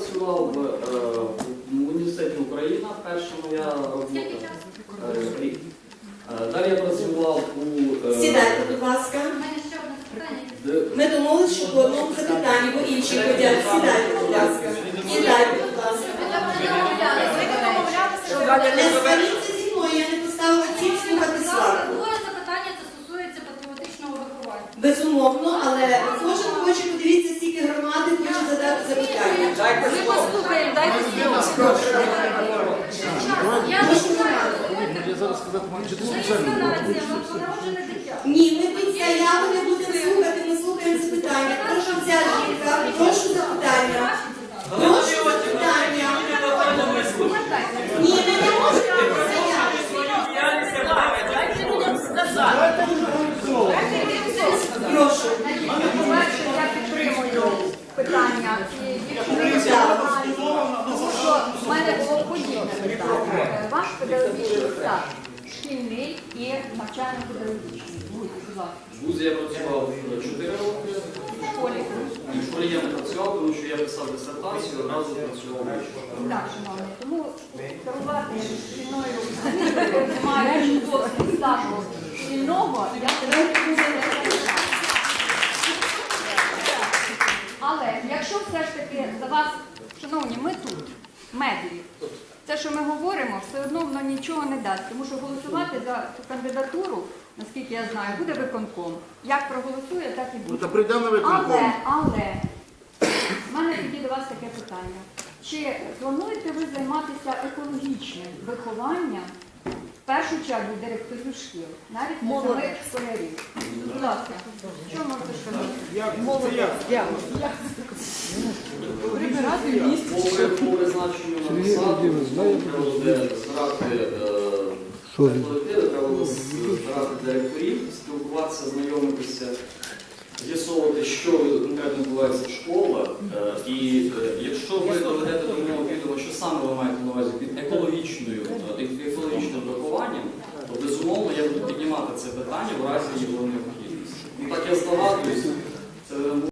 працював в університеті Україна, перша моя робота. Рік. Далі я працював у... Сідайте, будь ласка. У мене ще одне питання. Ми домовились, що по одному запитанні, бо інші ходять. Сідайте, будь ласка. Сідайте, будь ласка. Не сваріться зі мною, я не поставила ціль слухати сварку. Друге запитання це стосується патріотичного виховання. Безумовно, але кожен хоче, подивіться, скільки громади хоче задати запитання. Ми послухаємо, дайте слово. Я зараз сказати, чи ти Це спеціально? інстинація, вона вже не дитя. Ні, ми під заяву не будемо слухати, ми слухаємо запитання. Прошу ця жінка, прошу запитання. Прошу запитання. Ні, ми не можемо заяву. Прошу. По-перше, я підтримую питання цієї дівчини, тому що в мене було подібне питання. Ваш педагогічний стаж шкільний і навчально-педагогічний. Будь ласка. В вузі я працював 4 роки. В школі. І в школі я не працював, тому що я писав дисертацію, одразу працював вищу. Так, шановні, тому керувати шкільною немає досвід стажу шкільного, я не буду. Але якщо все ж таки за вас, шановні, ми тут, медлі, те, що ми говоримо, все одно воно нічого не дасть, тому що голосувати за цю кандидатуру, наскільки я знаю, буде виконком. Як проголосує, так і буде. Та прийде на виконком. Але, в мене тоді до вас таке питання. Чи плануєте ви займатися екологічним вихованням, в першу чергу, директорів шкіл, навіть не самих школярів? Будь ласка, що можете сказати? По призначенню на посаду, треба буде збирати колективи, треба буде збирати директорів, спілкуватися, знайомитися, з'ясовувати, що конкретно відбувається в школах. І якщо ви доведете до мого відома, що саме ви маєте на увазі під екологічним вихованням, то безумовно я буду піднімати це питання в разі його необхідності. Ну так я здогадуюсь,